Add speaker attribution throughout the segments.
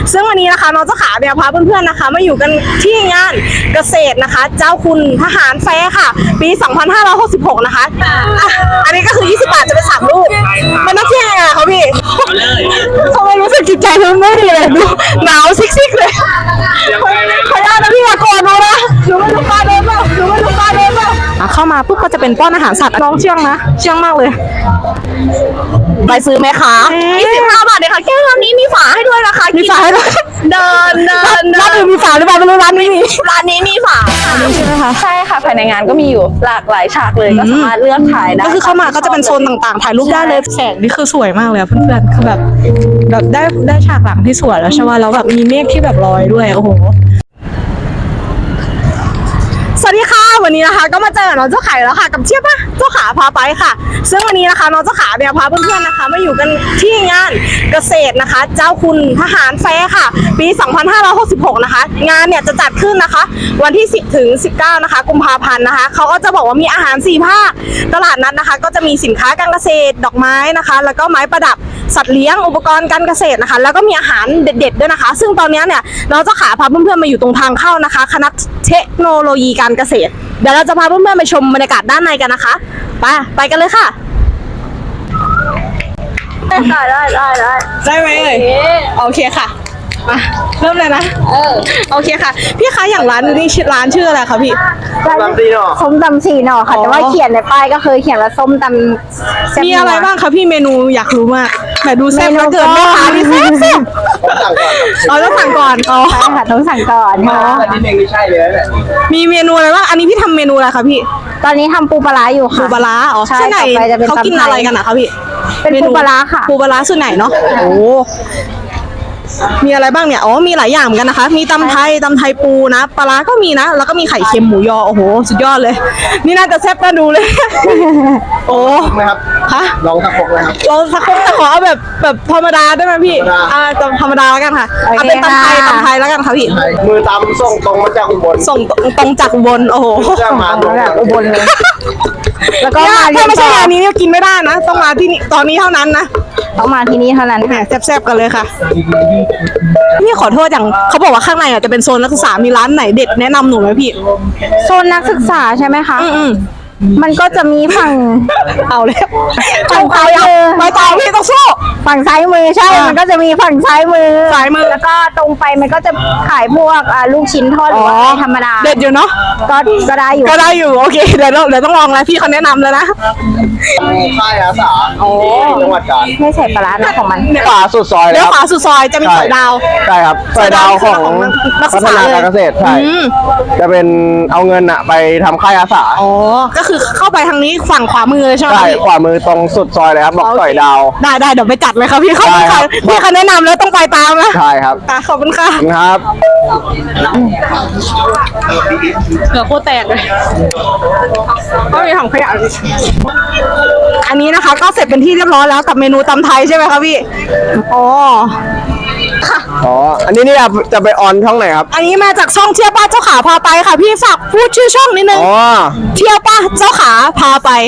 Speaker 1: ซึ่งวันนี้นะคะน้องเจ้าขาเนี่ยพาเพื่อนๆนะคะมาอยู่กันที่งานเกษตรนะคะเจ้าคุณทหารแฟร์ค่ะปี 2566 นะคะอันนี้ก็คือ20 บาทจะเป็น3 ลูกมันน่าเที่ยงไงคะพี่ทำไมรู้สึกจิตใจมันไม่ดีเลยดูหนาวซิกๆเลยขออนุญาตนะพี่มาก่อนดูนะหนูไม่รู้ปลาเดินเปล่าเข้ามาปุ๊บก็จะเป็นป้อนอาหารสัตว์น้องเชื่องนะเชื่องมากเลยไปซื้อไหมคะ25 บาทเลยค่ะแก้วนี้มีฝาให้ด้วยนะคะมีฝาให้ด้วยเดินร้านอื่นมีฝาหรือเปล่าไม่รู้ร้านนี้มีฝาใช่ไหมคะ
Speaker 2: ใช่ค่ะภายในงานก็มีอยู่หลากหลายฉากเลยก็สามารถเลือกถ่ายได้
Speaker 1: ก็คือเข้ามาก็จะเป็นโซนต่างๆถ่ายรูปได้เลยแสงนี่คือสวยมากเลยเพื่อนๆคือแบบได้ฉากหลังที่สวยแล้วใช่ไหมแล้วแบบมีเมฆที่แบบลอยด้วยโอ้โหสวัสดีค่ะวันนี้นะคะก็มาเจอน้องเจ้าขาแล้วค่ะกับเจี๊ยบเจ้าขาพาไปค่ะซึ่งวันนี้นะคะน้องเจ้าขาเนี่ยพาเพื่อนๆนะคะมาอยู่กันที่งานเกษตรนะคะเจ้าคุณทหารแฟร์ค่ะปี 2566 นะคะงานเนี่ยจะจัดขึ้นนะคะวันที่ 10 ถึง 19 นะคะกุมภาพันธ์นะคะเขาก็จะบอกว่ามีอาหาร4 ภาคตลาดนัดนะคะก็จะมีสินค้าการเกษตรดอกไม้นะคะแล้วก็ไม้ประดับสัตว์เลี้ยงอุปกรณ์การเกษตรนะคะแล้วก็มีอาหารเด็ดๆด้วยนะคะซึ่งตอนนี้เนี่ยน้องเจ้าขาพาเพื่อนๆมาอยู่ตรงทางเข้านะคะคณะเทคโนโลยีการเกษตรเดี๋ยวเราจะพาเพื่อนๆไปชมบรรยากาศด้านในกันนะคะไปกันเลยค่ะ
Speaker 2: ได้ไหมเอ่ย
Speaker 1: โอเคค่ะมาเริ่มเลยนะโอเคค่ะพี่คะอย่างร้านนี้ร้านชื่ออะไรคะพี่
Speaker 2: ส้มตำ4 หน่อค่ะแต่ว่าเขียนในป้ายก็เคยเขียนว่าส้มตำ
Speaker 1: มีอะไรบ้างคะพี่เมนูอยากรู้มากแต่ดูแซ่บแล้วเกินแม่ค้านี่แซ่บเราต้องสั่งก่อน
Speaker 2: ใช่ค่ะต้องสั่งก่อนค่ะ
Speaker 3: นิดนึงไม่ใช่เลยนะ
Speaker 1: มีเมนูอะไรบ้างอันนี้พี่ทำเมนูอะไรคะพี่
Speaker 2: ตอนนี้ทำปูปลาร้าอยู่ค่ะ
Speaker 1: ปูปลาร้าอ๋อใช่ไหนเขากินอะไรกันอะคะพี่
Speaker 2: เป็นปูปลาร้าค่ะ
Speaker 1: ปูปลาร้าส่วนไหนเนาะโอ้มีอะไรบ้างเนี่ยอ๋อมีหลายอย่างเหมือนกันนะคะมีตำไทยปูนะปลาร้าก็มีนะแล้วก็มีไข่เค็มหมูยอโอ้โหสุดยอดเลยนี่น่าจะแซ่บน่าดูเลยโอ้
Speaker 3: ไหมครับ
Speaker 1: ฮะ
Speaker 3: ลองสักพกเลยครับ
Speaker 1: ลองสักพกแต่ขอเอาแบบธรรมดาได้ไหมพี่ธรรมดาแล้วกันค่ะเอาเป็นตำไทยแล้วกันค่ะพี่
Speaker 3: มือตำส่งตรงมาจากอุบล
Speaker 1: ส่งตรงจากอุบลโอ้โห
Speaker 3: มาจาก
Speaker 2: อุบลเลย
Speaker 1: แล้วก็ถ้าไม่ใช่งานนี้เนี่ยกินไม่ได้นะต้องมาที่นี่ตอนนี้เท่านั้นนะ
Speaker 2: ต้องมาที่นี่เท่านั้น
Speaker 1: แซ่บๆกันเลยค่ะพี่ขอโทษอย่างเขาบอกว่าข้างในอ่ะจะเป็นโซนนักศึกษามีร้านไหนเด็ดแนะนำหนูไหมพี่
Speaker 2: โซนนักศึกษาใช่ไหมคะมันก็จะมีฝั่ง
Speaker 1: เอาเลย
Speaker 2: ฝั่งซ้ายมือ
Speaker 1: ไม่ต่อพี่ต้องสู้
Speaker 2: ฝั่งซ้ายมือใช่มันก็จะมีฝั่งซ้ายมือแล้วก็ตรงไปมันก็จะขายพวกลูกชิ้นทอดหรือว่าธรรมดา
Speaker 1: เด็ดอยู่เนาะ
Speaker 2: ก็ได้อยู่
Speaker 1: โอเคเดี๋ยวต้องลองแล้วพี่เขาแนะนำแล้วนะ
Speaker 3: ค่ายอาสาจังหวัดกาญ
Speaker 2: ไม่ใส่ปลาร้านะของมัน
Speaker 3: ขวาสุดซอย
Speaker 1: แล้วขวาสุดซอยจะมีสอยดาว
Speaker 3: ใช่ครับสอยดาวของพัฒนาการเกษตรใช่จะเป็นเอาเงินอะไปทำค่ายอาสา
Speaker 1: อ๋อก็คือเข้าไปทางนี้ฝั่งขวามือเลยใช่ไหม
Speaker 3: ใช่ขวามือตรงสุดซอยเลยครับบอกสอยดาว
Speaker 1: ได้เดี๋ยวไปจัดเลยครับพี่เขาแนะนำแล้วต้องไปตามนะ
Speaker 3: ใช่ครับ
Speaker 1: ขอบคุณค่ะ
Speaker 3: ครับ
Speaker 1: เหลือโคตรแตกเลยก็มีถังขยะอันนี้นะคะก็เสร็จเป็นที่เรียบร้อยแล้วกับเมนูตำไทยใช่ไหมคะพี่
Speaker 3: อ๋ออันนี้จะไปออนช่องไหนครับ
Speaker 1: อันนี้มาจากช่องเที่ยวป้าเจ้าขาพาไปค่ะพี่ฝากพูดชื่อช่องนิดนึงเที่ยวป้าเจ้าขาพาไป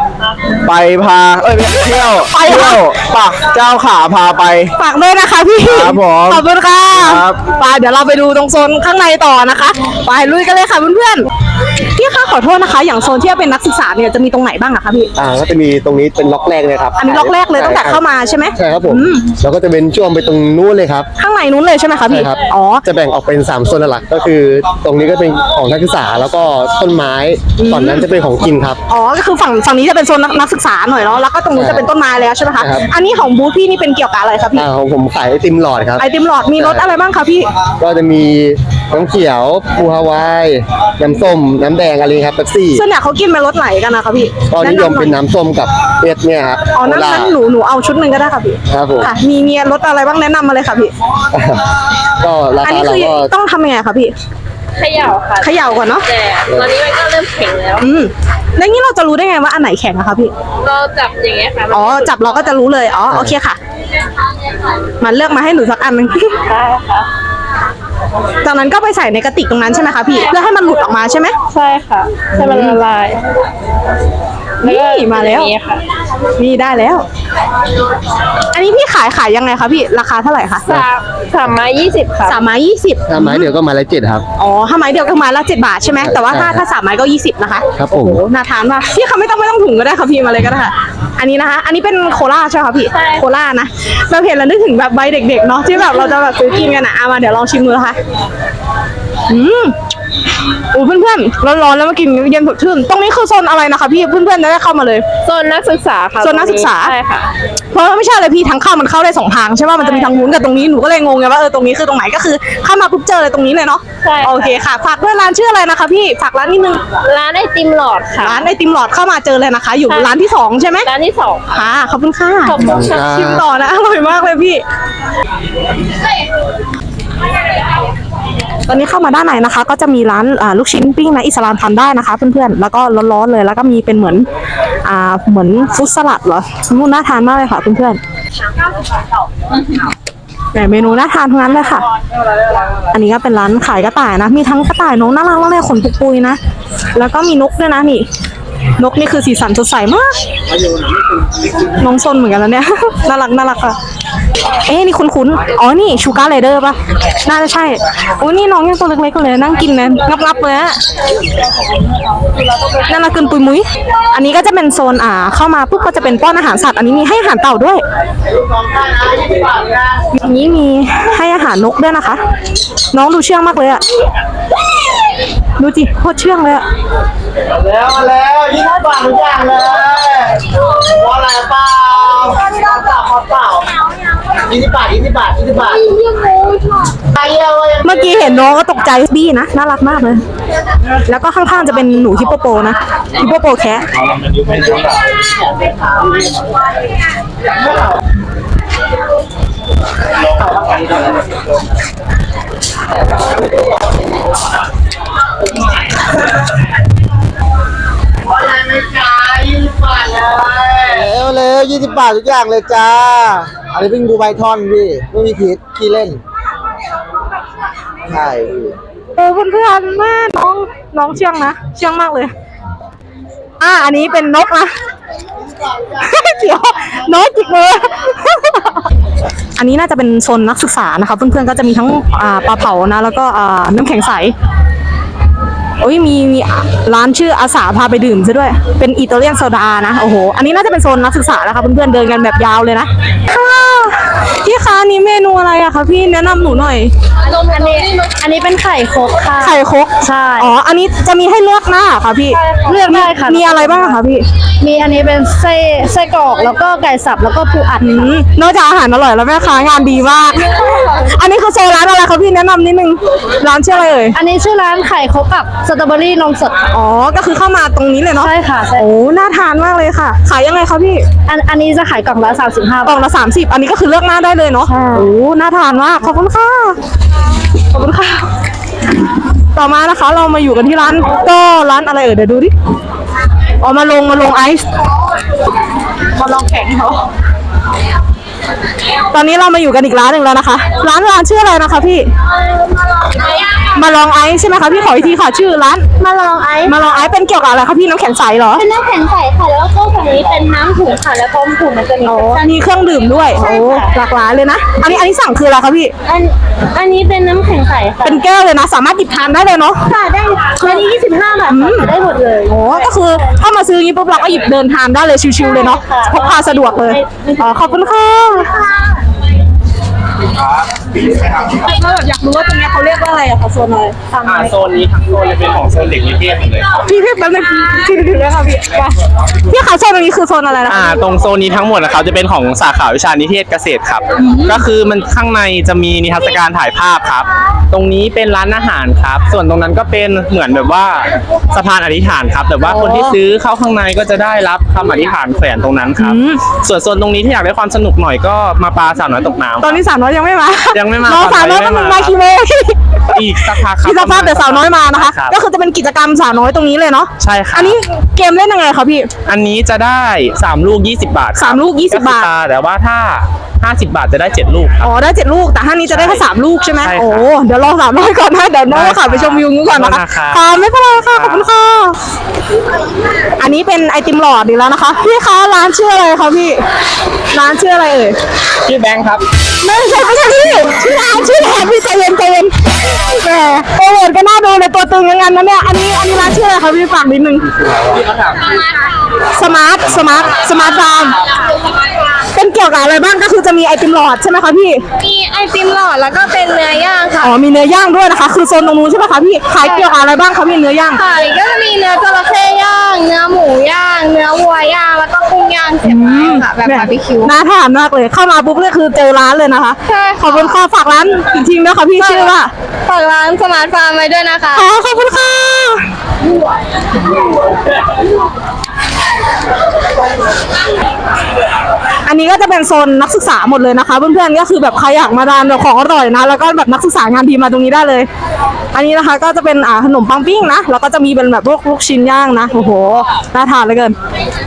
Speaker 3: เที่ยวป่ะเจ้าขาพาไป
Speaker 1: ฝากด้วยนะคะพี่
Speaker 3: ครับผม
Speaker 1: ขอบคุณค่ะไปเดี๋ยวเราไปดูตรงโซนข้างในต่อนะคะไปลุยกันเลยค่ะเพื่อนๆพี่คะขอโทษนะคะอย่างโซนที่เป็นนักศึกษาเนี่ยจะมีตรงไหนบ้างอะคะพี่
Speaker 3: ก็จะมีตรงนี้เป็นล็อกแรกเลยครับ
Speaker 1: อันนี้ล็อกแรกเลยตั้งแต่เข้ามาใช่ไหม
Speaker 3: ใช่ครับผมแล้วก็จะเป็นช่วงไปตรงนู้นเลยครับ
Speaker 1: ข้างในนู้นเลยใช่ไหมคะพี่
Speaker 3: อ๋อจะแบ่งออกเป็น3โซนหลักก็คือตรงนี้ก็เป็นของนักศึกษาแล้วก็ต้นไม้ฝั่งนั้นจะเป็นของกินครับ
Speaker 1: อ๋อก็คือฝั่งนี้จะเป็นโซนนักศึกษาหน่อยเนาะแล้วก็ตรงนู้นจะเป็นต้นไม้แล้วใช่ไหมคะอันนี้ของบูธพี่นี่เป็นเกี่ยวกับอะไรครับพี่
Speaker 3: ของผมขายไอติมหลอดครับ
Speaker 1: ไอติมหลอดมีรสอะไรบ้างคะพี่
Speaker 3: ก็จะมีน้ำเขียวปูฮาวายน้ำส้มน้ำแดงอะไรครับเป๊ปซี่
Speaker 1: ส่วนใหญ่เขากินเป็นรสไหนกันนะคะพี่
Speaker 3: ก็นิยมเป็นน้ำส้มกับเอสเนี่ยครับ
Speaker 1: อ๋อนั้นหนูเอาชุดหนึ่งก็ได้ค่ะพี่
Speaker 3: ครับผม
Speaker 1: ค่ะมีรสอะไรบ้างแนะนำมาเลยค่ะพี่
Speaker 3: ก็ราคาเราก็
Speaker 1: ต้องทำยังไงคะพี่
Speaker 2: เขย่าค่ะ
Speaker 1: เขย่าก่อนเนาะ
Speaker 2: แต่ตอนนี้มันก็เริ่มแข็งแล้ว
Speaker 1: แล้วงี้เราจะรู้ได้ไงว่าอันไหนแข็งอะคะพี่
Speaker 2: เราจับอย่างเงี้ยค่ะ
Speaker 1: อ๋อจับเราก็จะรู้เลยอ๋อโอเคค่ะมันเลือกมาให้หนูสักอันนึง
Speaker 2: ได้ค่ะ
Speaker 1: จากนั้นก็ไปใส่ในกระติกตรงนั้นใช่ไหมคะพี่เพื่อให้มันหลุดออกมาใช่ไหม
Speaker 2: ใช่ค่ะให้มันละลาย
Speaker 1: นี่มาแล้ว
Speaker 2: นี่ค่ะ
Speaker 1: นี่ได้แล้ว อันนี้พี่ขายยังไงคะพี่ราคาเท่าไหร่คะ
Speaker 2: สามไม้20 ค่ะ
Speaker 1: 3 ไม้ 20
Speaker 3: ถ้าไม้เดียวก็ไม้ละ7ครับ
Speaker 1: อ๋อถ้าไม้เดียวก็ไม้ละ7 บาทใช่ไหมแต่ว่าถ้า3 ไม้ก็ 20 นะคะ
Speaker 3: ครับผม
Speaker 1: โอ้โหน่าทานมากพี่คะไม่ต้องถุงก็ได้ค่ะพี่มาเลยก็ได้ค่ะอันนี้นะคะ อันนี้เป็นโคลาใช่ไหมคะพี่โคลานะเราเห็นแล้วนึกถึงแบบใบเด็กๆเนาะที่แบบเราจะแบบซื้อกินกันอ่ะมาเดี๋ยวลองชิมดูนะคะโอ้เพื่อนๆร้อนๆแล้วมากินเย็นสดชื่นตรงนี้คือโซนอะไรนะคะพี่เพื่อนๆจะได้เข้ามาเลย
Speaker 2: โซนนักศึกษาค่ะ
Speaker 1: โซนนักศึกษา
Speaker 2: ใช่ค่ะ
Speaker 1: เพราะว่าไม่ใช่เลยพี่ทางเข้ามันเข้าได้2 ทางใช่ป่ะมันจะมีทางนู้นกับตรงนี้หนูก็เลยงงไงว่าตรงนี้คือตรงไหนก็คือเข้ามาปุ๊บเจอเลยตรงนี้เลยเนาะ
Speaker 2: ใช่ค่ะ
Speaker 1: โอเคค่ะฝากด้วยร้านชื่ออะไรนะคะพี่ฝากร้านนิดนึง
Speaker 2: ร้านไอติมหลอดค่ะ
Speaker 1: ร้านไอติมหลอดเข้ามาเจอเลยนะคะ อยู่
Speaker 2: ใช่
Speaker 1: ร้านที่2ใช่ไหม
Speaker 2: ร้านที่2ค่ะ
Speaker 1: ค่ะขอบคุณค่ะ
Speaker 2: ขอบคุณค่ะ
Speaker 1: ชิมต่อนะอร่อยมากเลยพี่ ตอนนี้เข้ามาด้านในนะคะ ก็จะมีร้านลูกชิ้นปิ้งนะอิสลามทำได้นะคะเพื่อนๆแล้วก็ร้อนๆเลยแล้วก็มีเป็นเหมือนเหมือนฟรุตสลัดเหรอน่าทานมากเลยค่ะเพื่อนๆแต่เมนูน่าทานทั้งนั้นเลยค่ะ อันนี้ก็เป็นร้านขายกระต่ายนะมีทั้งกระต่ายนกน่ารักมากเลยขนปุยๆนะแล้วก็มีนกด้วยนะนี่นกนี่คือสีสันสดใสมากน้องซนเหมือนกันแล้วเนี่ย น่ารักค่ะเอ๊ะนี่คุ้นๆอ๋อนี่ชูการ์ไรเดอร์ป่ะน่าจะใช่โอ้นี่น้องยังตัวเล็กๆเลยนั่งกินนะงับๆเลยอะน่ารักเกินปุยมุ้ยอันนี้ก็จะเป็นโซนเข้ามาปุ๊บก็จะเป็นป้อนอาหารสัตว์อันนี้มีให้อาหารเต่าด้วยอันนี้มีให้อาหารนกด้วยนะคะ น้องดูเชื่องมากเลยอะดูจิโคตรเชื่องเลยอะ
Speaker 4: แล้ว20 บาททุกอย่างเลยว่าอะไรเปล่าเปล่า20 บาท20 บาท20 บาทไปเยอะเลย
Speaker 1: เมื่อกี้เห็นน้องก็ตกใจบี้นะน่ารักมากเลย แล้วก็ข้างๆจะเป็นหนูฮิปโปโปนะฮิปโปโปแคะ
Speaker 4: อะไรไม่จ่าย20 บาทเลย20 บาททุกอย่างเลยจ้าอันนี้เป็นบูไบทอนพี่ไม่มีขี้เล่นใช่พี่
Speaker 1: โอ้เพื่อนๆแม่น้องเชื่องนะเชื่องมากเลยอันนี้เป็นนกนะ เดี๋ยวน้อยจิกเลย อันนี้น่าจะเป็นโซนนักศึกษานะคะเพื่อนๆก็จะมีทั้งปลาเผานะแล้วก็น้ำแข็งใสโอ้ยมีร้านชื่ออาสาพาไปดื่มซะด้วยเป็นอิตาเลียนโซดานะโอ้โหอันนี้น่าจะเป็นโซนนักศึกษานะคะเพื่อนๆเดินกันแบบยาวเลยนะค่ะพี่คะนี่เมนูอะไรอะคะพี่แนะนำหนูหน่อย
Speaker 2: อันนี้เป็นไข่ครกค่ะ
Speaker 1: ไข่ครก
Speaker 2: ใช่
Speaker 1: อ๋ออันนี้จะมีให้เลือกหน้าค่ะพี่
Speaker 2: เลือกได้ค่ะ
Speaker 1: มีอะไรบ้างคะพี่
Speaker 2: มีอันนี้เป็นไส้กรอกแล้วก็ไก่สับแล้วก็ปูอัดค่ะ
Speaker 1: นอกจากอาหารอร่อยแล้วแม่ค้างานดีมาก อันนี้คือโซนร้านอะไรคะพี่แนะนำนิดนึงร้านชื่ออะไรเอ่ย
Speaker 2: อันนี้ชื่อร้านไข่ครกกับสตรอเบอรี่นมสดค่ะ
Speaker 1: อ๋อก็คือเข้ามาตรงนี้เลยเนาะ
Speaker 2: ใช่ค่ะใช่
Speaker 1: โอ้น่าทานมากเลยค่ะ ขายยังไงคะพี่
Speaker 2: อันนี้จะขายกล่องละ35
Speaker 1: กล่
Speaker 2: บา
Speaker 1: อง
Speaker 2: ท
Speaker 1: ละ30อันนี้ก็คือเลือกหน้าได้เลยเนาะ
Speaker 2: ใช่
Speaker 1: โอ้น่าทานมากขอบคุณค่ะขอบคุณค่ะ ต่อมานะคะเรามาอยู่กันที่ร้านก็ร้านอะไรเอ่ยเดี๋ยวดูดิอ๋อมาลงไอซ์มาลองแข็งเขาตอนนี้เรามาอยู่กันอีกร้านหนึ่งแล้วนะคะ ร้านชื่ออะไรนะคะพี่มาลองไอซ์ใช่ไหมคะพี่ขออีกทีค่ะชื่อร้าน
Speaker 2: มาลองไอซ์
Speaker 1: มาลองไอซ์เป็นเกี่ยวกับอะไรคะพี่น้ำแข็งใสเหรอ
Speaker 2: เป็นน้ำแข็งใสค่ะแล้วก็ฝั่งนี้เป็นน้ำถุงค่ะแล้วก็ถุงมันจะมี
Speaker 1: มีเครื่องดื่มด้วย
Speaker 2: ใช่
Speaker 1: โอ้
Speaker 2: ค่ะ
Speaker 1: หลากหลายเลยนะอันนี้สั่งคืออะไรคะพี่
Speaker 2: อันนี้เป็นน้ำแข็งใสค่ะ
Speaker 1: เป็นแก้วเลยนะ สามารถหยิบทานได้เลยเนาะ
Speaker 2: ค่ะได้อันนี้25 บาทค่ะได้หมดเลย
Speaker 1: โอ้ก็คือถ้ามาซื้ออย่างนี้ปุ๊บเราก็หยิบเดินทานได้เลยชิวๆเลยเนาะ
Speaker 2: ค่ะ
Speaker 1: พกพาสะดวกเลยขอบคุณค่ะเราแบบอยากรู้ว่าตรงนี้เขาเรียกว่าอะไรอะคะโซนอะไร
Speaker 5: โซนนี้ทั้งโซนจะเป็นของโซนเด็กนิเทศหมดเลยครับ
Speaker 1: พี่แป๊บนึงพี่ถึงแล้วค่ะพี่ไปพี่คะโซนตรงนี้คือโซนอะไรนะคะ
Speaker 5: ตรงโซนนี้ทั้งหมดนะครับจะเป็นของสาขาวิชานิเทศเกษตรครับ ก็คือมันข้างในจะมีนิทรรศการถ่ายภาพครับ ตรงนี้เป็นร้านอาหารครับ ส่วนตรงนั้นก็เป็นเหมือนแบบว่าสะพานอธิษฐานครับแบบว่าคนที่ซื้อเข้าข้างในก็จะได้รับคำอธิษฐานแฝงตรงนั้นครับ ส่วนโซนตรงนี้ที่อยากได้ความสนุกหน่อยก็มาปลาสาวน้อยตกน้ำ
Speaker 1: ตอนนี้300 อยยังไม่มา
Speaker 5: ยังไม่มา
Speaker 1: น้องสาวน้อย
Speaker 5: ยัง
Speaker 1: ก็
Speaker 5: ไม่
Speaker 1: มึง
Speaker 5: มา
Speaker 1: มากี่โมง
Speaker 5: อีกสักพักครับ
Speaker 1: อีกสักพักเดี๋ยวสาวน้อยมานะคะ
Speaker 5: รับ
Speaker 1: ก็คือจะเป็นกิจกรรมสาวน้อยตรงนี้เลยเนาะ
Speaker 5: ใช่ครับ
Speaker 1: อันนี้เกมเล่นยังไงคะพี่
Speaker 5: อันนี้จะได้3ลูก20 บาทครับ
Speaker 1: 3ลูก20
Speaker 5: คือบ
Speaker 1: าท
Speaker 5: แต่ว่าถ้า50 บาทจะได้7ลูกครับ
Speaker 1: อ๋อได้7ลูกแต่ห้านี้จะได้แค่3ลูกใช่ไหม
Speaker 5: ใช่ครับ
Speaker 1: โอ้เดี๋ยวรอสาวน้อยก่อนนะเดี๋ยวน้อง
Speaker 5: ได้ครับ
Speaker 1: ขับไปชมวิวนู้นก่อนนะคะ
Speaker 5: ขอบคุณนะครับ
Speaker 1: ค่ะไม่เป็นไรค่ะขอบคุณค่ะอันนี้เป็นไอติมหลอดอีกแล้วนะคะพี่คะร้านชื่ออะไรคะพี่ร้านชื่ออะไรเอ่ย
Speaker 5: ชื่อแบงค์ครับ
Speaker 1: ไม่ใช่พี่ชื่อร้านชื่อแทนพี่ใจเย็นแหมโปรโมทก็น่าดูในตัวตึงอย่างนั้นนะเนี่ยอันนี้ร้านชื่ออะไรคะพี่ฝากนิดนึงสมาร์ทฟาร์มเป็นเกี่ยวกับอะไรบ้างก็คือจะมีไอติมหลอดใช่ไหมคะพี่
Speaker 2: มีไอติมหลอดแล้วก็เป็นเนื้อย่างค่ะ
Speaker 1: อ๋อมีเนื้อย่างด้วยนะคะ คือโซนตรงนู้นใช่ไหมคะพี่ขายเกี่ยวกับอะไรบ้างคะพี่เนื้อย่าง
Speaker 2: ค่ะก็จะมีเนื้อจระเข้ย่าง เนื้อหมูย่าง เนื้อวัวย่าง แล้วก็กุ้งย่างเสียบไม้ค่ะ แบบบาร์บีคิว
Speaker 1: น่าทานมากเลยเข้ามาปุ๊บเนี่ยคือเจอร้านเลยนะคะ
Speaker 2: ใช่ค่ะ
Speaker 1: ขอบคุณค่ะฝากร้านอีกทีนะคะพี่ชื่อว่า
Speaker 2: ฝากร้านสมาร์ทฟาร์มไว้ด้วยนะคะ
Speaker 1: อ๋อขอบคุณค่ะอันนี้ก็จะเป็นโซนนักศึกษาหมดเลยนะคะเพื่อนๆก็คือแบบใครอยากมาทานแบบของอร่อยนะแล้วก็แบบนักศึกษางานดีมาตรงนี้ได้เลย อันนี้นะคะก็จะเป็นขนมปังปิ้งนะแล้วก็จะมีเป็นแบบพวกลูกชิ้นย่างนะโอ้โหน่าทานเหลยเกิน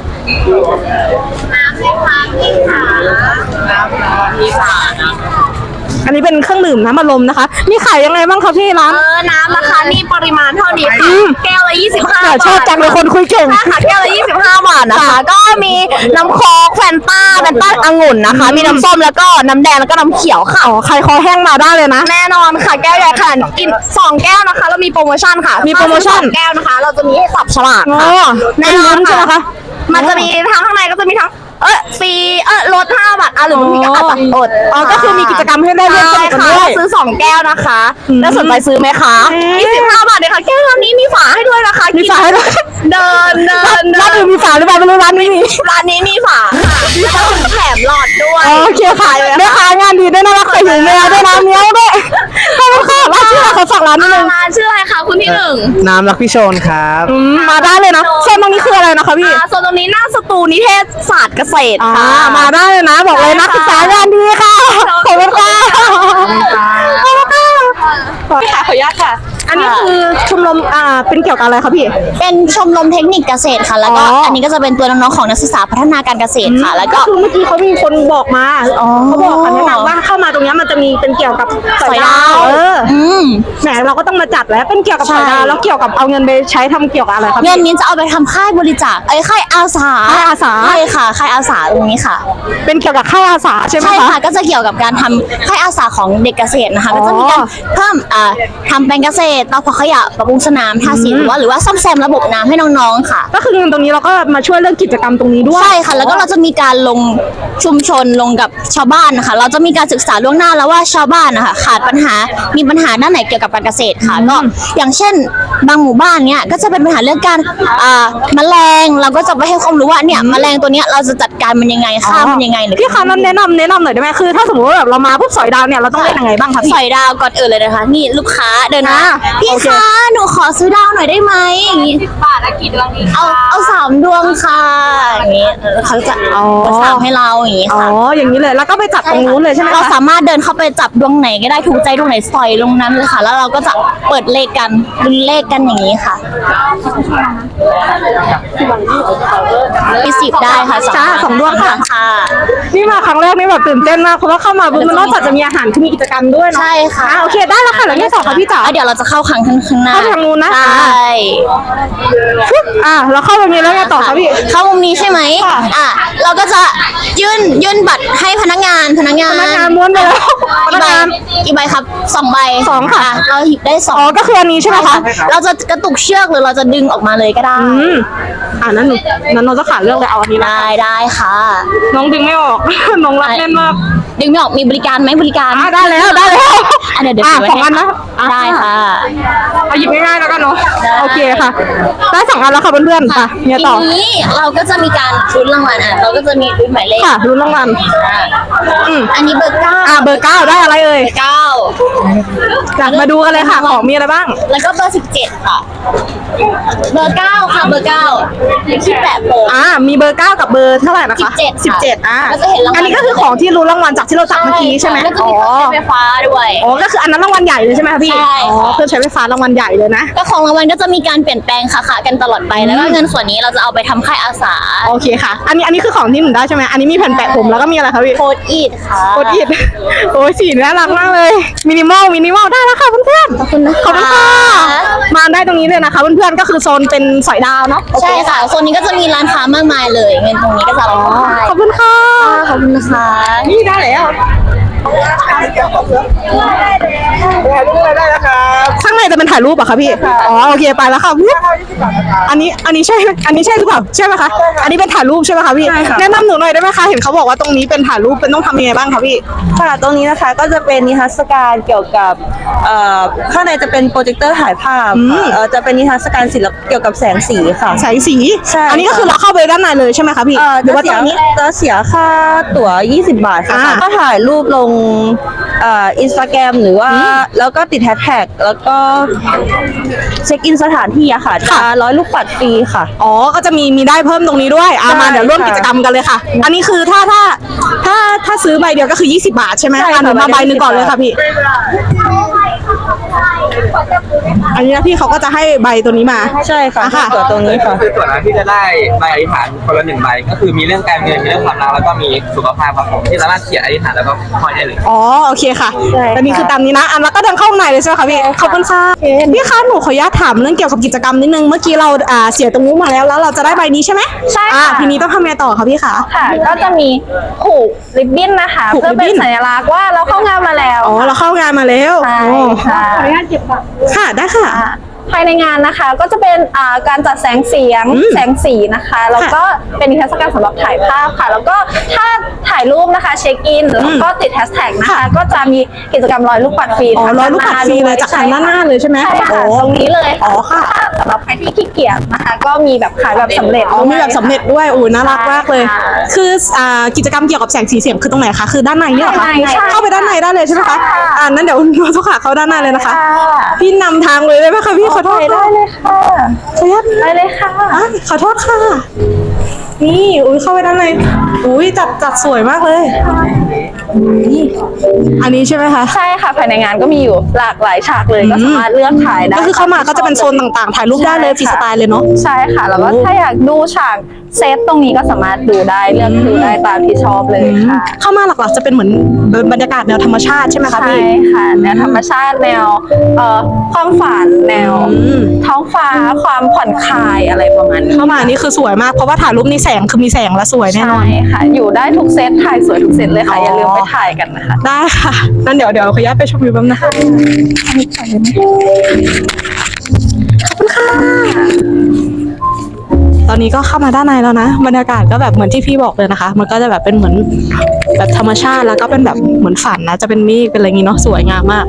Speaker 1: อันนี้เป็นเครื่องดื่มน้ำอัดลมนะคะมีขายยังไงบ้างคะพี่ร้าน
Speaker 2: น้ำนะคะนี่ปริมาณเท่านี้ค่ะ แก้วละ25
Speaker 1: ชอบจังเลยคนคุยเก่ง
Speaker 2: ค่ะแก้วละ25 บาทนะคะ ก็มีน้ำโค้กแฟนต้าองุ่นนะคะ มีน้ำส้มแล้วก็น้ำแดงแล้วก็น้ำเขียวค่ะ
Speaker 1: อ๋อใครคอแห้งมาได้เลยนะ
Speaker 2: แน่นอนค่ะแก้วใหญ่ขนาดกิน2 แก้วนะคะเรามีโปรโมชั่นค่ะ
Speaker 1: มีโปรโมชั่น
Speaker 2: ถ้าซื้อ2 แก้วนะคะ เราจะมีให้สับฉลาก
Speaker 1: อ๋อ
Speaker 2: ค่ะ
Speaker 1: แน่นอนใช่ไหมคะ
Speaker 2: มันจะมีทั้งข้างในก็จะมีทั้งฟรีลด5 บาทหรือบางทีก็อาจจะอด
Speaker 1: อ๋อก็คือมีกิจกรรมให้ได้เลือกส
Speaker 2: ใช่
Speaker 1: นุกกัน
Speaker 2: ค่ะ
Speaker 1: ด้วย
Speaker 2: ซื้อ2 แก้วนะคะแล้วสนใจซื้อไหมคะ25 บาทเลยค่ะแก้วนี้มีฝาให้ด้วยนะคะ
Speaker 1: มีฝาให้ด้วย
Speaker 2: เดิน
Speaker 1: ร้านอื่นมีฝาหรือเปล่าไม่รู้ร้านนี้มี
Speaker 2: ร้านนี้มีฝาค่ะแล้วก็แถมหลอดด้วย
Speaker 1: โอเคค่ะแม่ค้างานดีด้วยน่ารักใส่ถุงแมวด้วยนะเนี้ยด้วยขอบคุณค่ะร้านชื่ออะไรขอฝากร้านนิดนึง
Speaker 2: ร้านชื่ออะไรคะคุณที่หนึ่ง
Speaker 3: น้ำรักพี่โชนครับ
Speaker 1: มาได้เลยนะโซนตรงนี้คืออะไรนะคะพี่
Speaker 2: ส่วนตรงนี้หน้าสตูนิเทศศาสตร์เกษตรค่ะ
Speaker 1: มาได้เลยนะบอกเลยนักศึกษางานดีค่ะขอบคุณค่ะขอบคุณค่ะพี่ค่ะขออนุญาตค่ะ อันนี้คือชมรมเป็นเกี่ยวกับอะไรคะพี่
Speaker 2: เป็นชมรมเทคนิคเกษตรค่ะ แล้วก็อันนี้ก็จะเป็นตัวน้องๆของนักศึกษาพัฒนาการเกษตรค่ะ แล้วก็
Speaker 1: คือเมื่อกี้เขามีคนบอกมาเขาบอกแนะนำว่าเข้ามาตรงนี้มันจะมีเป็นเกี่ยวกับสอยดาวแหมเราก็ต้องมาจัดแล้วเป็นเกี่ยวกับสอยดาวแล้วเกี่ยวกับเอาเงินไปใช้ทำเกี่ยวกับอะไรครับ
Speaker 2: เงินนี้จะเอาไปทำค่ายบริจาคค่ายอาสา
Speaker 1: ค่ายอาสา
Speaker 2: ใช่ค่ะค่ายอาสาตรงนี้ค่ะ
Speaker 1: เป็นเกี่ยวกับค่ายอาสาใช่ไหม
Speaker 2: ใช่
Speaker 1: คะ
Speaker 2: ค่ะก็จะเกี่ยวกับการทำค่ายอาสาของเด็กเกษตรนะคะ
Speaker 1: อ๋อ
Speaker 2: ก็จะมีการเพิ่มทำแปลงเกษตรเตาเผาขยะปรับปรุงสนามทาสีหรือว่าซ่อมแซมระบบน้ำให้น้องๆค่ะ
Speaker 1: ก็คือเงินตรงนี้เราก็มาช่วยเรื่องกิจกรรมตรงนี้ด้วย
Speaker 2: ใช่ค่ะ แล้วก็เราจะมีการลงชุมชนลงกับชาวบ้านนะคะ เราจะมีการศึกษาล่วงหน้าแล้วว่าชาวบ้านนะคะมีปัญหาด้านไหนเกี่ยวกับการเกษตรค่ะก็อย่างเช่นบางหมู่บ้านเนี้ยก็จะเป็นปัญหาเรื่องการแมลงเราก็จะไปให้ความรู้ว่าเนี่ยแมลงตัวเนี้ยเราจะจัดการมันยังไงฆ่ามันยังไงหรือ
Speaker 1: พี่คะนั้นแนะนำหน่อยได้ไหมคือถ้าสมมติว่าแบบเรามาปุ๊บสอยดาวเนี่ยเราต้องเล่นยังไงบ้างคะพี่
Speaker 2: สอยดาวก่อนอื่นเลยนะคะ นี่ลูกค้าเดินมา พี่
Speaker 1: โอเค
Speaker 2: คะหนูขอซื้อดาวหน่อยได้ไหมอย่างนี้10 บาทกี่ดวงดีเอา3 ดวงค่ะอย่างนี้เขาจะสั่งให้เราอย่างนี้
Speaker 1: อ๋อ
Speaker 2: ค่ะ
Speaker 1: อย่างนี้เลยแล้วก็ไปจัดตรงนู้นเลยใช่ไหม
Speaker 2: เรา
Speaker 1: คะ
Speaker 2: สามารถเดินเข้าไปจับดวงไหนก็ได้ถูกใจดวงไหนสอยลงนั้นเลยค่ะ แล้วเราก็จะเปิดเลขกันลุ้นเลขกันอย่างนี้ค่ะมี10ได้ค่ะ
Speaker 1: จ้า2 ดวงค่ะ
Speaker 2: ค่ะ
Speaker 1: นี่มาครั้งแรกนี่แบบตื่นเต้นมากเพราะว่าเข้ามาปุ๊บมันนอกจากจะมีอาหารคือมีกิจกรรมด้วยเนาะ
Speaker 2: ใช่ค่ะ
Speaker 1: โอเคได้แล้วค่ะแล้วที่สองค่ะพี่จ๋า
Speaker 2: เดี๋ยวเราจะเข้าข้างหน้า
Speaker 1: เข้าทางนู้นนะ
Speaker 2: ใช่
Speaker 1: เราเข้าตรงนี้แล้วไงต่อคะพี่
Speaker 2: เข้ามุมนี้ใช่ไหม
Speaker 1: ค่ะ
Speaker 2: เราก็จะยื่นบัตรให้พนักงาน
Speaker 1: พนักงานม้วนไปแล้วพนักงาน
Speaker 2: กี่ใบครับ2 ใบ
Speaker 1: 2ค่ะ
Speaker 2: เราหยิบได้
Speaker 1: อ๋อ
Speaker 2: 2
Speaker 1: ก็คืออันนี้ใช่ไหมคะ
Speaker 2: เราจะกระตุกเชือกหรือเราจะดึงออกมาเลยก็ได้
Speaker 1: นั้นน้องจะขาดเรื่องเลยเอาอันนี้นะ
Speaker 2: ได้ค่ะ
Speaker 1: น้องดึงไม่ออก น้องรักแน่นมาก
Speaker 2: ดึงไม่ออกมีบริการไหมบริการ
Speaker 1: ได้แล้ว
Speaker 2: เดี๋ยวถืไว้
Speaker 1: 2 อันนะ
Speaker 2: ได้ค่ะ
Speaker 1: เอาหยิบง่ายๆแล้วกันเนาะโอเคค่ะ ได้2 อันแล้วค่ะเพื่อนๆค่ะเนี่ยต่อ
Speaker 2: ทีนี้เราก็จะมีการลุ้นรางวัลเราก็จะมีลุ้นหมายเลข
Speaker 1: ค่ะลุ้นรางวัล
Speaker 2: อันนี้เบอร์ 9
Speaker 1: เบอร์ 9ได้อะไรเอ่ย
Speaker 2: 9
Speaker 1: จ้ะมาดูกันเลยค่ะของมีอะไรบ้าง
Speaker 2: แล้วก็เบอร์ 17 ค่ะ เบอร์ 9 ค่ะเบอร์ 9ที่แปะโปะ
Speaker 1: มีเบอร์ 9 กับเบอร์เท่าไหร่นะคะ
Speaker 2: 17
Speaker 1: 17
Speaker 2: แล้วจะเห็นรางวัล
Speaker 1: อันนี้ก็คือของที่รู้รางวัลจากที่เราจับเมื่อกี้ใช่ไหม
Speaker 2: แล้วก็มีเครื่องใช้ไฟฟ้าด้วย
Speaker 1: อ๋อก็คืออันนั้นรางวัลใหญ่เลยใช่ไหมคะพี่
Speaker 2: ใช่
Speaker 1: อ๋อเครื่องใช้ไฟฟ้ารางวัลใหญ่เลยนะ
Speaker 2: ก็ของรางวัลก็จะมีการเปลี่ยนแปลงค่ะกันตลอดไปแล้วก็เงินส่วนนี้เราจะเอาไปทำค่ายอาสา
Speaker 1: โอเคค่ะ อันนี้คือของที่หนูได้ใช่ไหมอันนี้มีแผ่นแปะผมแล้วก็มีอะไรคะพี่
Speaker 2: โคดอีดค่ะ
Speaker 1: โคตรอิดโอ้ยสีน่ารักมากเลยมินิมอลได้แล้วค่ะเพื่อนๆขอบคุณนะคะขอบคุณค่ะมาได้ตรงนี้เลยนะคะเพื่อนๆก็คือโซนเป็นสอยดาวเนาะ
Speaker 2: ใช่ค่ะโซนนี้ก็จะมีร้านค้ามากมายเลยเงินตรงนี้ก็จะเอาไปให้
Speaker 1: ขอบคุณค่ะ
Speaker 2: ขอบคุณนะคะ
Speaker 1: นี่ได้แล้วข้างในจะเป็นถ่ายรูปเหรอคะพี่อ๋อโอเคไปแล้วค่ะอันนี้ใช่หรือเปล่าใช่ไหมคะอันนี้เป็นถ่ายรูปใช่ไหมคะพี่แนะนำหนูหน่อยได้ไหมคะเห็นเขาบอกว่าตรงนี้เป็นถ่ายรูปเป็นต้องทำยังไงบ้างคะพี่
Speaker 6: ค่ะตรงนี้นะคะก็จะเป็นนิทรรศการเกี่ยวกับข้างในจะเป็นโปรเจคเตอร์ถ่ายภาพค่ะจะเป็นนิทรรศการศิลปเกี่ยวกับแสงสีค่ะ
Speaker 1: แสงสี
Speaker 6: ใช่
Speaker 1: อันนี้ก็คือเราเข้าไปด้านในเลยใช่ไหมคะพี่หรือว่าตรงนี้
Speaker 6: จะเสียค่าตั๋ว20 บาทค่ะ
Speaker 1: อ่า
Speaker 6: ก็ถ่ายรูปลงอินสตาแกรมหรือว่าแล้วก็ติดแฮชแท็กแล้วก็เช็คอินสถานที่อะค่ะจะ100 ลูกปัดฟรีค่ะ
Speaker 1: อ๋อก็จะมีได้เพิ่มตรงนี้ด้วยมาเดี๋ยวร่วมกิจกรรมกันเลยค่ะ อันนี้คือถ้าซื้อใบเดียวก็คือ20 บาทใช่ไหม
Speaker 6: ใช่ค่ะ
Speaker 1: หนูมา
Speaker 6: ใบ
Speaker 1: ใบ
Speaker 6: เดียว
Speaker 1: หนึ่งก่อนเลยค่ะพี่ อันนี้นะพี่เขาก็จะให้ใบตัวนี้มา
Speaker 6: ใช่ค่ะ
Speaker 1: ค่ะ
Speaker 6: ตั๋วตรงนี้ค่ะ
Speaker 7: คือส่วนนั้นที่จะได้ใบอธิษฐานคนละ1 ใบก็คือมีเรื่องการเงินมีเรื่องความรักแล้วก็มีสุขภาพครับผมที่สามารถเขียนอธิษฐานแล้วก็ห้อยได้เลย
Speaker 1: อ๋อโอเคค่ะ
Speaker 6: ใช่ค่ะ
Speaker 1: อันนี้คือตามนี้นะแล้วก็เดินเข้าข้างในเลยใช่ไหมคะพี่ขอบคุณค่ะพี่คะหนูขออนุญาตถามเรื่องเกี่ยวกับกิจกรรมนิดนึงเมื่อกี้เราเสียตรงนู้นมาแล้วเราจะได้ใบนี้ใช่ไหม
Speaker 8: ใช่ค่ะ
Speaker 1: ทีนี้ต้องทำไงต่อคะพี่คะ
Speaker 8: ค่ะ ก็จะมีผูกริบบิ้นนะคะ
Speaker 1: ผูก
Speaker 8: เพื่อ
Speaker 1: ริบบิ้
Speaker 8: เป็น
Speaker 1: น
Speaker 8: สัญลักษณ์ว่าเราเข้างานมาแล้ว
Speaker 1: อ๋อเราเข้างานมาแล้ว
Speaker 8: ใช่
Speaker 1: โอ้
Speaker 8: ค่ะ
Speaker 1: ค่ะได้ค่ะ
Speaker 8: ภายในงานนะคะก็จะเป็นการจัดแสงเสียง แสงสีนะคะ แล้วก็เป็นนิทรรศการสำหรับถ่ายภาพค่ะ แล้วก็ถ้าถ่ายรูปนะคะเช็คอินแล้วก็ติดแฮชแท็กนะคะ ก็จะมีกิจกรรม100 ลูกปัดฟรี
Speaker 1: อ๋อ100 ลูกปัดฟรีเลยจากทางด้านหน้าเลยใช่ไหม
Speaker 8: ใช่ค่ะ
Speaker 1: โอ้
Speaker 8: ตรงนี้เลย
Speaker 1: อ๋อค่ะ
Speaker 8: ถ้าสำหรับใครที่ขี้เกียจนะคะ ก็มีแบบขายแบบสำเร็จ
Speaker 1: อ๋อมีแบบสำเร็จด้วยโอ้ยน่ารักมากเลย
Speaker 8: ค่ะ
Speaker 1: คือกิจกรรมเกี่ยวกับแสงสีเสียงคือตรงไหนคะคือด้านในเนี่ยเหรอคะ
Speaker 8: ด้านในใช่
Speaker 1: เข้าไปด้านในได้เลยใช่ไหมคะนั้นเดี๋ยวเราทุกขาเข้าด้านในเลยนะคะ
Speaker 8: ค่ะ
Speaker 1: พี่นำทางเลยได้ไหมคะพี่ขอโทษ
Speaker 8: ได้เลยค่ะ
Speaker 1: ขออนุญาต
Speaker 8: ได้เลยค่ะ
Speaker 1: ขอโทษค่ะ นี่อุ้ยเข้าไปด้านในอุ้ยจัดสวยมากเลยนี่อันนี้ใช่ไหมคะ
Speaker 8: ใช่ค่ะภายในงานก็มีอยู่หลากหลายฉากเลยก็สามารถเลือกถ่ายได้
Speaker 1: ก็คือเข้ามาก็จะเป็นโซนต่างๆถ่ายรูปได้เลยฟรีสไตล์เลยเนาะ
Speaker 8: ใช่ค่ะ แล้วก็ถ้าอยากดูฉากเซตตรงนี้ก็สามารถดูได้เลือกดูได้ตามที่ชอบเลยค่ะ
Speaker 1: เข้ามาหลักๆจะเป็นเหมือนบรรยากาศแนวธรรมชาติใช่ไหมคะ
Speaker 8: ใช่
Speaker 1: พี่
Speaker 8: ค่ะแนวธรรมชาติแนวความฝันแนวท้องฟ้าความผ่อนคลายอะไรประมาณนี้
Speaker 1: เข้ามานี่คือสวยมากเพราะว่าถ่ายรูปนี่แสงคือมีแสงและสวยแน่นอน
Speaker 8: ใช่ค่ะ อยู่ได้ทุกเซตถ่ายสวยทุกเซตเลยค่ะ อย่าลืมไปถ่ายกันนะคะ
Speaker 1: ได้ค่ะนั่นเดี๋ยวขออนุญาตไปชมวิวแป๊บนะคะขอบคุณค่ะ ตอนนี้ก็เข้ามาด้านในแล้วนะบรรยากาศก็แบบเหมือนที่พี่บอกเลยนะคะ มันก็จะแบบเป็นเหมือนแบบธรรมชาติแล้วก็เป็นแบบเหมือนฝันนะจะเป็นเมฆเป็นอะไรอย่างงี้เนาะสวยงามมาก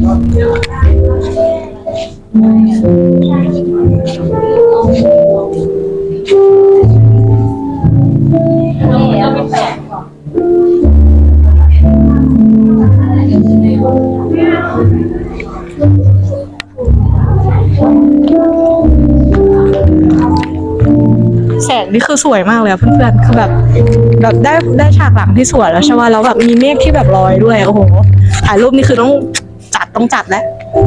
Speaker 1: แสงนี่คือสวยมากเลยอะเพื่อนๆคือแบบได้ฉากหลังที่สวยแล้วใช่ไหมแล้วแบบมีเมฆที่แบบลอยด้วยโอ้โหถ่ายรูปนี่คือต้องจัดแล้ว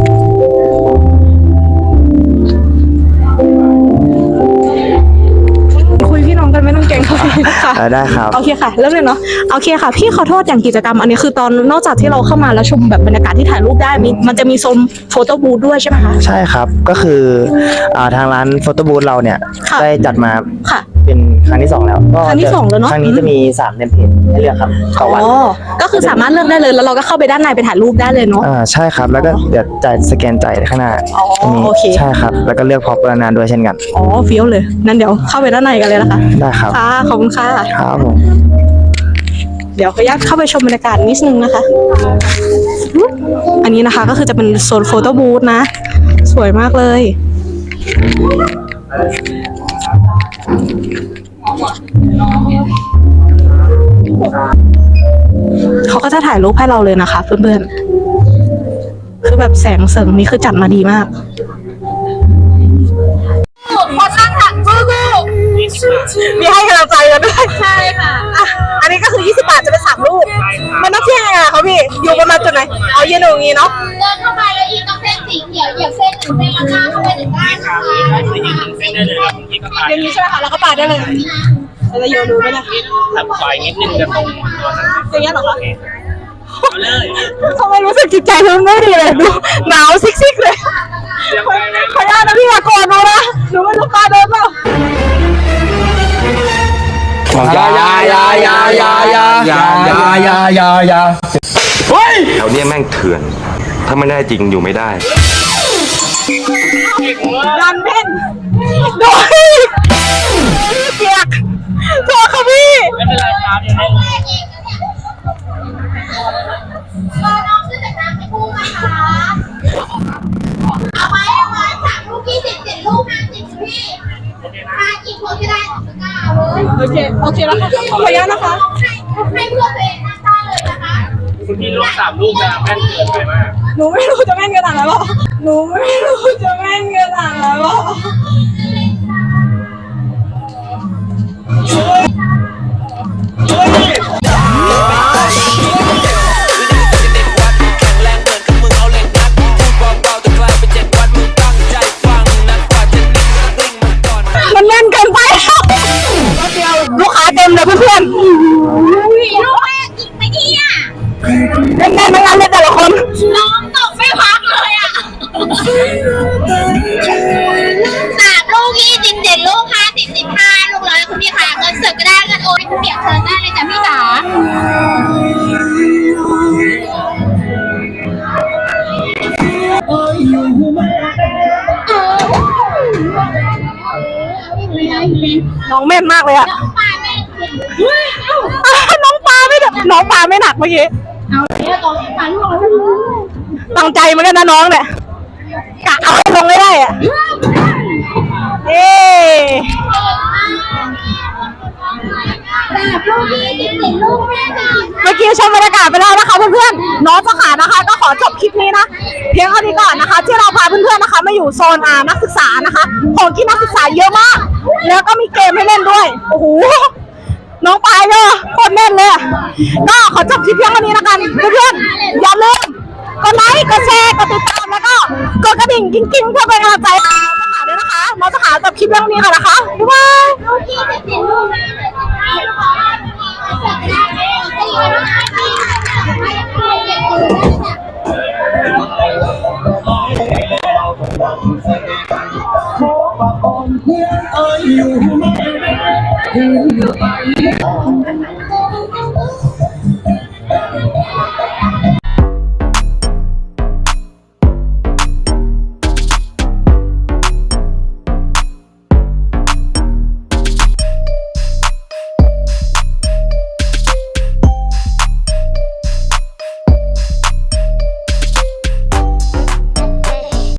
Speaker 1: คุยพี่น้องกันไม่ต้องเก่งค่ะ
Speaker 3: ได้ครับ
Speaker 1: โอเคค่ะเริ่มเลยเนาะโอเคค่ะพี่ขอโทษอย่างกิจกรรมอันนี้คือตอนนอกจากที่เราเข้ามาแล้วชมแบบบรรยากาศที่ถ่ายรูปได้มันจะมีโซนโฟโต้บูธด้วยใช่ไหมคะ
Speaker 9: ใช่ครับก็คือทางร้านโฟโต้บูธเราเนี่ย
Speaker 1: ค่ะ
Speaker 9: ได้จัดมา
Speaker 1: ค่ะ
Speaker 9: เป็นครั้งที่ 2 แล้วก็
Speaker 1: ครั้งที่สองแล้วเนอะ
Speaker 9: ครั้งนี้จะมี3เทมเพลตให้เลือกครับต่อวัน
Speaker 1: อ๋อก็คือสามารถเลือกได้เลยแล้วเราก็เข้าไปด้านในไปถ่ายรูปได้เลยเนาะ
Speaker 9: ใช่ครับแล้วก็เดี๋ยวจ่ายสแกนจ่ายข้างหน้า
Speaker 1: อ๋อ
Speaker 9: ตรงนี้
Speaker 1: โอเค
Speaker 9: ใช่ครับแล้วก็เลือกพร็อพประนานด้วยเช่นกัน
Speaker 1: อ๋อเฟี้ยวเลยนั่นเดี๋ยวเข้าไปด้านในกันเลยนะคะ
Speaker 9: ได้ครับ
Speaker 1: ค่ะขอบคุณค่ะ
Speaker 9: ครับผม
Speaker 1: เดี๋ยวขออนุญาตเข้าไปชมบรรยากาศนิดนึงนะคะ อันนี้นะคะก็คือจะเป็นโซนโฟโต้บูธนะสวยมากเลยเขาก็จะถ่ายรูปให้เราเลยนะคะเพื่อนๆคือแบบแสงเสริงนี่คือจัดมาดีมากคนนั่งถักสู้มีให้กำลังใจกันด้วยใช่ค่ะอันนี้ก็คือ20 บาทจะเป็น3 รูปมันต้องเที่ยงยังไงคะพี่อยู่ประมาณจุดไหนเอายืนตรงนี้เนาะ
Speaker 10: เดินเข้าไปแล้วยืนตรงเส้นสีเขียวเหยียบเส้น1 เส้นแล้วก้าวเข้าไปถึงด้านค่ะ
Speaker 1: อย่างนี้ใช่ไหมคะแล้วก็ปาดได้เลยเราจะโยนดูไหมเนี่ย
Speaker 5: ถัดไปนิดนึงจะตรงตัวนั้น
Speaker 1: อย่างเงี้ยเหรอคะ
Speaker 5: เลย
Speaker 1: ทำไมรู้สึกจิตใจเธอไม่ดีเลยดูหนาวซิกๆเลยขออนุญาตนะพี่อย่าโกรธหนูนะหนูไม่รู้ปาเดินเปล่า
Speaker 4: อย่า
Speaker 11: แถวเนี้ยแม่งเถื่อน ถ้าไม่ได้จริงอยู่ไม่ได้
Speaker 1: ดันเพ่นโดยเปียกโทษค่ะพี่
Speaker 5: ไม่เป็นไรครับยังไง
Speaker 10: รอน้องขึ้นจากน้ำให้คู่นะคะเอาไว้3 ลูก20 7 ลูก50พี่มากี่คนก็ได้2 ตะกร้าเลย
Speaker 1: โอเคแล้วค่ะขออนุญาตนะคะ
Speaker 10: ให้เพื่อนตัวเองนั่งได้เลยนะคะ
Speaker 5: คุณพี่ลูก3 ลูกจะแม่นเกินไปมาก
Speaker 1: หนูไม่รู้จะแม่นขนาดนั้นหรอหนูไม่รู้จะแม่นขนาดนั้นหรอมันแน่นเกินไปลูกค้าเต็มเลยเพื่อน
Speaker 10: ลูกแม่กินไปที่อ่ะ
Speaker 1: ๆแน่นๆทั้งนั้นเลยแต่ละคน
Speaker 10: น้องตกไม่พักเลยอ่ะ3 ลูก20 7 ลูก50 15 ลูก100คุณพี่ค่ะเงินสดก็ได้เงินโอนให้คุณเปียกเชิญได้เลยจ้ะพี่จ๋า
Speaker 1: น้องแม่นมากเลยอะ
Speaker 10: น้องปลาแม่กิน
Speaker 1: น้องปลาไม่หนักเมื่อกี้
Speaker 10: เอาเนี่ยตอนปลาลูก
Speaker 1: ตั้งใจเหมือนกันนะน้องเนี่ยกะเอาให้ลงได้อะเอ๊
Speaker 10: แบบลูก20 7 ลูกแม่จ้ะ
Speaker 1: เมื่อกี้ชมบรรยากาศไปแล้วนะคะเพื่อนๆน้องเจ้าขานะคะก็ขอจบคลิปนี้นะเพียงเท่านี้ก่อนนะคะที่เราพาเพื่อนๆนะคะมาอยู่โซนนักศึกษานะคะของที่นักศึกษาเยอะมากแล้วก็มีเกมให้เล่นด้วยโอ้โหน้องปายเนี่ยโคตรแน่นเลยก็ขอจบคลิปเพียงเท่านี้แล้วกันเพื่อนๆอย่าลืมกดไลค์กดแชร์กดติดตามแล้วก็กดกระดิ่งกิ้งๆเพื่อเป็นกำลังใจให้น้องเจ้าขาด้วยนะคะน้องเจ้าขาจบคลิปเพียงเท่านี้ก่อนนะคะบ๊ายบาย
Speaker 10: ลูก20 7 ลูกแม่เลยจ้ะให้ลูกค้าเสร็จแล้วตีกันนะคะตีกันให้ลูกเก็บเงินได้จ้ะ
Speaker 4: อยู่